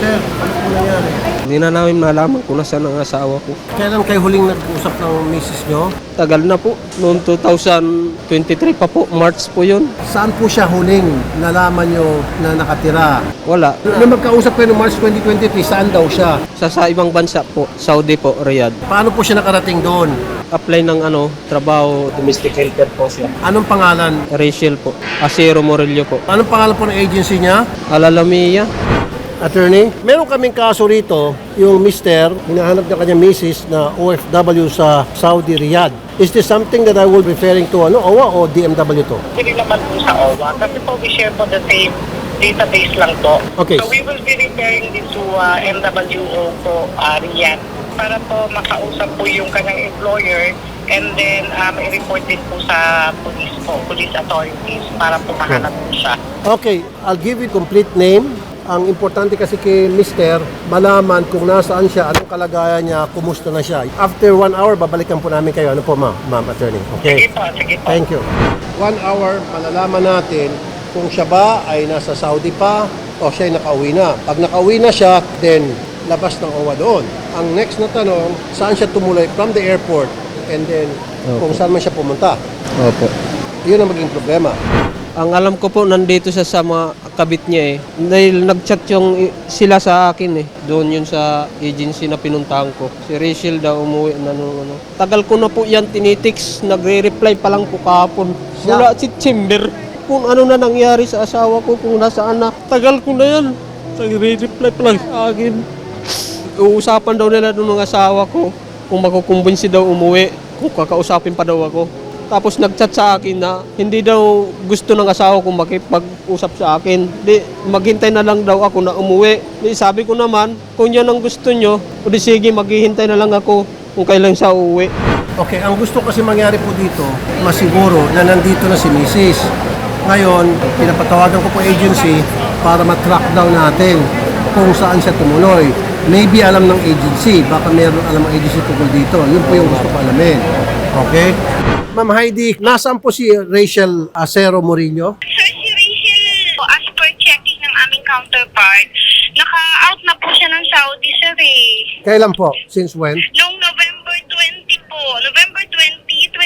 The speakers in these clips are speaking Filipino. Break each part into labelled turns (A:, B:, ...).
A: Sir, ano po nangyari?
B: Hindi na namin malaman kung nasaan ang asawa ko.
A: Kailan kayo huling nag-usap ng misis nyo?
B: Tagal na po. Noong 2023 pa po. March po yun.
A: Saan po siya huling nalaman nyo na nakatira?
B: Wala.
A: Nung magkausap kayo noong March 2023, saan daw siya?
B: Sa ibang bansa po. Saudi po, Riyadh.
A: Paano po siya nakarating doon?
B: Apply ng trabaho. Domestic helper po siya.
A: Anong pangalan?
B: Rachel po. Asero Morillo po.
A: Anong pangalan po ng agency niya?
B: Alalamiya.
A: Attorney, meron kaming kaso rito, yung mister, hinahanap ng kanyang misis na OFW sa Saudi Riyadh. Is this something that I will be referring to, OWA o DMW to?
C: Hindi naman po sa OWA kasi po we share po the same database lang po.
A: Okay.
C: So we will be referring this to MWO po, Riyadh, para po makausap po yung kanyang employer and then i-report din po sa police authorities para po mahanap po siya.
A: Okay, I'll give you complete name. Ang importante kasi kay Mister, malaman kung nasaan siya, anong kalagayan niya, kumusta na siya. After 1 hour, babalikan po namin kayo. Ano po, ma'am attorney? Okay?
C: Sige po, sige po.
A: Thank you. 1 hour, malalaman natin kung siya ba ay nasa Saudi pa o siya ay nakauwi na. Pag nakauwi na siya, then labas ng OWA doon. Ang next na tanong, saan siya tumuloy from the airport and then kung saan man siya pumunta.
B: Opo.
A: Yun ang maging problema.
B: Ang alam ko po, nandito siya sa mga kabit niya eh. Dahil nag-chat sila sa akin eh. Doon yun sa agency na pinuntahan ko. Si Rachel daw umuwi na ano. Tagal ko na po yan tinitiks. Nagre-reply pa lang po kahapon. Mula September. Kung ano na nangyari sa asawa ko, kung nasaan na. Tagal ko na yan. Nagre-reply pa lang sa akin. Uusapan daw nila doon ng asawa ko. Kung makukumbinsi daw umuwi. Kung kakausapin pa daw ako. Tapos nag-chat sa akin na hindi daw gusto ng asawa kong makipag-usap sa akin. Di, maghintay na lang daw ako na umuwi. Di, sabi ko naman, kung yan ang gusto nyo, o di sige, maghihintay na lang ako kung kailan siya uuwi.
A: Okay, ang gusto kasi mangyari po dito, masiguro na nandito na si Mrs. Ngayon, pinapatawagan ko po agency para matrack down natin kung saan siya tumuloy. Maybe alam ng agency, baka meron alam ng agency tungkol dito. Yun po yung gusto ko alamin. Okay? Ma'am Heidi, nasaan po si Rachel Asero Morillo?
D: Sir, si Rachel, as per checking ng aming counterpart, naka-out na po siya ng Saudi, sir eh.
A: Kailan po? Since when?
D: Noong November 20 po, November 20,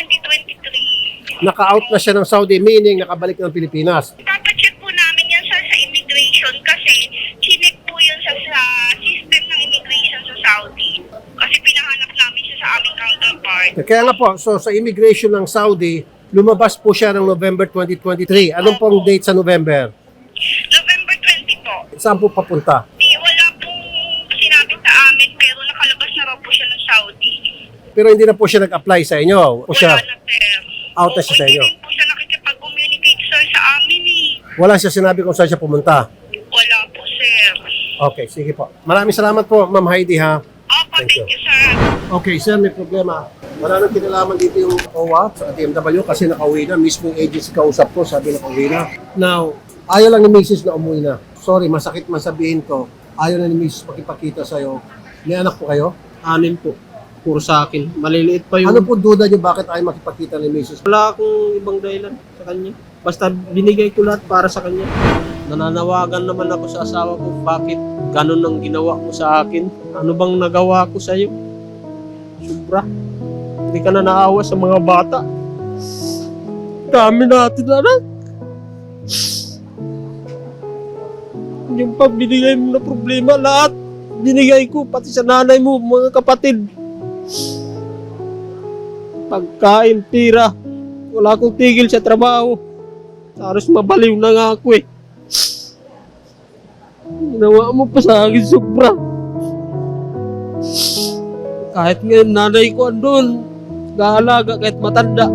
D: 2023.
A: Naka-out na siya ng Saudi, meaning nakabalik ng Pilipinas.
D: Papacheck po namin yan, sir, sa immigration kasi chinek po yun sa system ng immigration sa Saudi. Kasi pinahanap namin siya sa aming counterpart.
A: Kaya nga po, so sa immigration ng Saudi, lumabas po siya ng November 2023. Anong pong date sa November?
D: November 20 po.
A: Saan po papunta?
D: Wala pong sinabi sa amin pero nakalabas na raw po siya ng Saudi.
A: Pero hindi na po siya nag-apply sa inyo. O siya,
D: Wala na, sir.
A: out na siya sa inyo.
D: Hindi rin po siya nakikipag-communicate, sir, sa amin eh.
A: Wala siya sinabi kung saan siya pumunta.
D: Wala po, sir.
A: Okay, sige po. Maraming salamat po, Ma'am Heidi, ha?
D: Opo,
A: Thank
D: thank
A: you.
D: you, sir.
A: Okay, sir, may problema. Wala nang kinalaman dito yung OWA sa DMW kasi nakauwi na. Mismo yung agency kausap ko, sabi nakauwi na. Now, ayaw lang ni Mrs. na umuwi na. Sorry, masakit man sabihin ko. Ayaw na ni Mrs. makipagkita sa'yo. May anak po kayo?
B: 6 po. Puro sa akin. Maliliit pa yung...
A: Ano po duda niyo bakit ayaw makipagkita ni Mrs.?
B: Wala akong ibang dahilan sa kanya. Basta binigay ko lahat para sa kanya. Nananawagan naman ako sa asawa ko, bakit ganun ang ginawa mo sa akin? Ano bang nagawa ko sa iyo? Sobra. Hindi ka na naawa sa mga bata. Dami natin na. Yung pa binigay mo na problema, lahat binigay ko, pati sa nanay mo, mga kapatid. Pagkain, tira. Wala akong tigil sa trabaho. Halos mabaliw na nga ako eh. Ginawa mo pa sa akin sobra. Kahit ngayon nanay ko andun, gaalaga kahit matanda.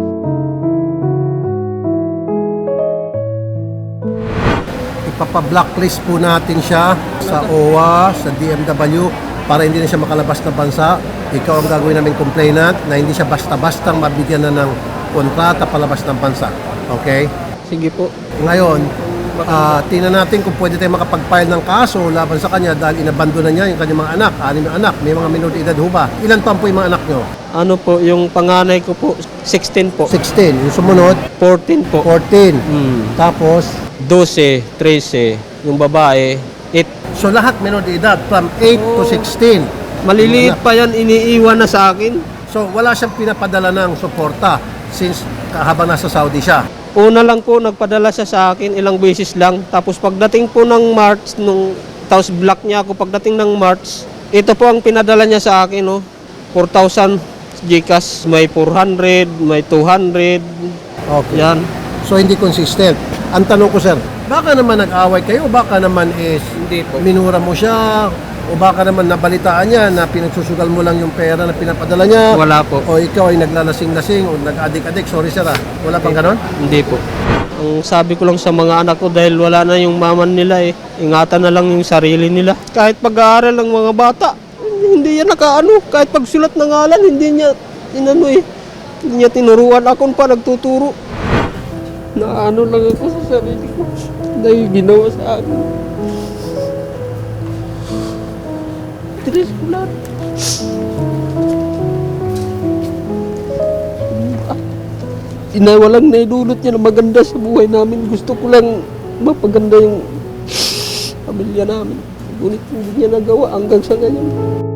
A: Ipapa-blacklist po natin siya sa OWA, sa DMW para hindi na siya makalabas na bansa. Ikaw ang gagawin namin complainant na hindi siya basta-bastang mabigyan na ng kontrata palabas ng bansa. Okay?
B: Sige po.
A: Ngayon, tingnan natin kung pwede tayo makapag-file ng kaso laban sa kanya dahil inabando na niya yung kanyang mga anak, 6 na anak, may mga minor de edad ho ba? Ilan taon po yung mga anak nyo?
B: Ano po, yung panganay ko po, 16 po.
A: 16. Yung sumunod,
B: 14 po.
A: 14.
B: Hmm.
A: Tapos,
B: 12, 13. Yung babae, 8.
A: So lahat menor de edad from 8 to 16.
B: Maliliit pa yan, iniiwan na sa akin.
A: So wala siyang pinapadala ng suporta since habang nasa Saudi siya.
B: Una lang po, nagpadala siya sa akin, ilang beses lang. Tapos pagdating po ng March, tapos block niya ako pagdating ng March, ito po ang pinadala niya sa akin, no? 4,000 GCash, may 400, may 200,
A: Okay.
B: yan.
A: So hindi consistent. Ang tanong ko sir, baka naman nag-away kayo, baka naman is
B: Hindi po.
A: minura mo siya, o baka naman nabalitaan niya na pinagsusugal mo lang yung pera na pinapadala niya.
B: Wala po.
A: O ikaw ay naglalasing-lasing o nag-adik-adik. Sorry sir ah. Wala pang ganon?
B: Hindi po. Ang sabi ko lang sa mga anak ko dahil wala na yung maman nila ingatan na lang yung sarili nila. Kahit pag-aaral ng mga bata, hindi yan nakaano. Kahit pagsulat ng ngalan, hindi niya hindi niya tinuruan. Ako pa nagtuturo. Naano lang ako sa sarili ko dahil ginawa sa akin. Tres ko lahat. Walang naidulot niya na maganda sa buhay namin. Gusto ko lang mapaganda yung pamilya namin. Ngunit hindi niya nagawa hanggang sa ngayon.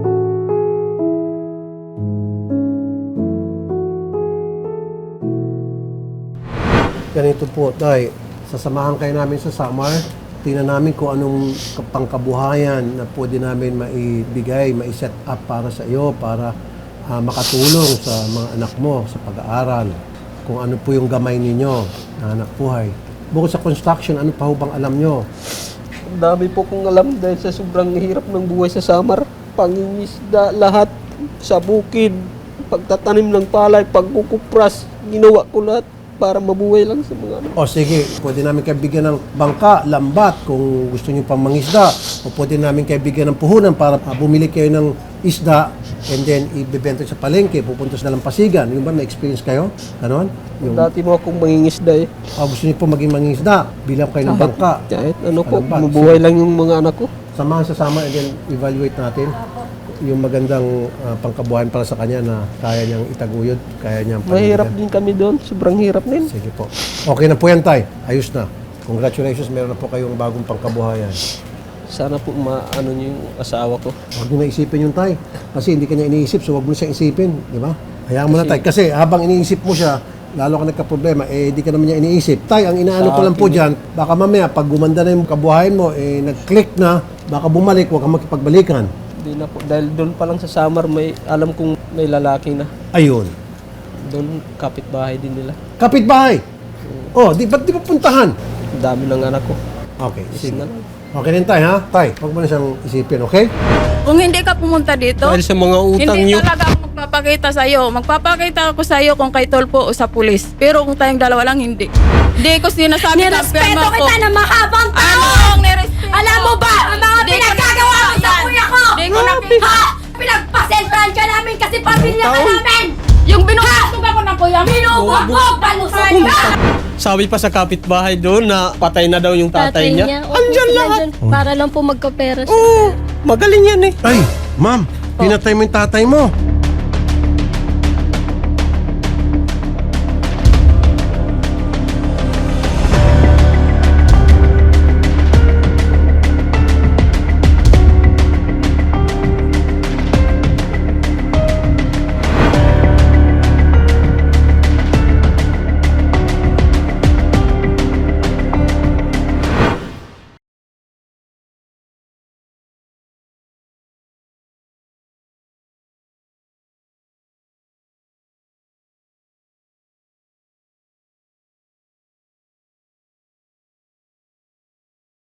A: Ganito po, Tay. Sasamahan kayo namin sa summer. Tingnan namin kung anong pangkabuhayan na pwede namin maibigay, mai-set up para sa iyo, para makatulong sa mga anak mo sa pag-aaral. Kung ano po yung gamay ninyo na anak buhay. Bukod sa construction, ano pa ho bang alam nyo?
B: Ang dami po kong alam dahil sa sobrang hirap ng buhay sa Samar. Pangingisda, lahat sa bukid, pagtatanim ng palay, pagkukupras, ginawa ko lahat para mabuhay lang sa mga anak.
A: O sige, pwede namin kayo bigyan ng bangka, lambat kung gusto nyo pang mangisda. O pwede namin kayo bigyan ng puhunan para bumili kayo ng isda and then ibebenta sa palengke, pupunta sa Dalampasigan. Yung ba, na-experience kayo? Ganon? Yung,
B: Dati mo akong mangingisda
A: gusto nyo po maging mangisda, bilang kayo ng bangka.
B: Kahit ano po,
A: Lambat.
B: mabuhay lang yung mga anak ko.
A: Samahan sa sama and then evaluate natin yung magandang pangkabuhayan para sa kanya na kaya niyang itaguyod, kaya niyang
B: Mahirap
A: panindigan.
B: din kami doon, sobrang hirap din.
A: Sige po. Okay na po yan, Tay. Ayos na. Congratulations, meron na po kayong bagong pangkabuhayan.
B: Sana po maano niyo yung asawa ko.
A: Huwag mo na isipin yung Tay. Kasi hindi ka niya iniisip, so huwag mo na siyang isipin. Di ba? Hayaan mo na, Tay. Kasi habang iniisip mo siya, lalo ka nagka-problema, di ka naman niya iniisip. Tay, ang inaano ko lang po dyan, baka mamaya, pag gumanda na yung kabuhayan mo, nag-click na, baka bumalik, huwag kang makipagbalikan.
B: Hindi na po. Dahil doon pa lang sa Samar, alam kong may lalaki na.
A: Ayun.
B: Doon, kapitbahay din nila.
A: Kapitbahay! Oh, ba't di pa puntahan?
B: Ang dami ng anak ko.
A: Okay,
B: Is
A: sige.
B: na lang.
A: Okay din, Tay, ha? Tay, huwag mo na siyang isipin, okay?
E: Kung hindi ka pumunta dito,
B: Dahil sa mga utang
E: hindi
B: niyo.
E: talaga ako magpapakita sa iyo. Magpapakita ako sa iyo kung kay Tolpo o sa pulis. Pero kung tayong dalawa lang, hindi. Hindi ko sinasabi na
F: Nirespeto kita na mahabang tao!
E: Ano ang nirespeto?
F: Alam mo ba, ang mga
E: Di ko
F: pinagkagawa mo sa
E: nakikita.
F: kuya ko!
E: Di ko nakikita.
F: Ha? Pinagpasentrahan ka namin kasi pamilya ka namin!
E: Yung binuhasog ako ng kuya mo.
F: Binubugbog! Balusan ka!
B: Sabi pa sa kapitbahay doon na patay na daw yung tatay niya.
G: Opo,
B: Andyan
G: sila
B: lahat.
G: dyan. Para lang po magkapera siya.
B: Oo, magaling yan
A: Ay, ma'am, pinatay mo yung tatay mo.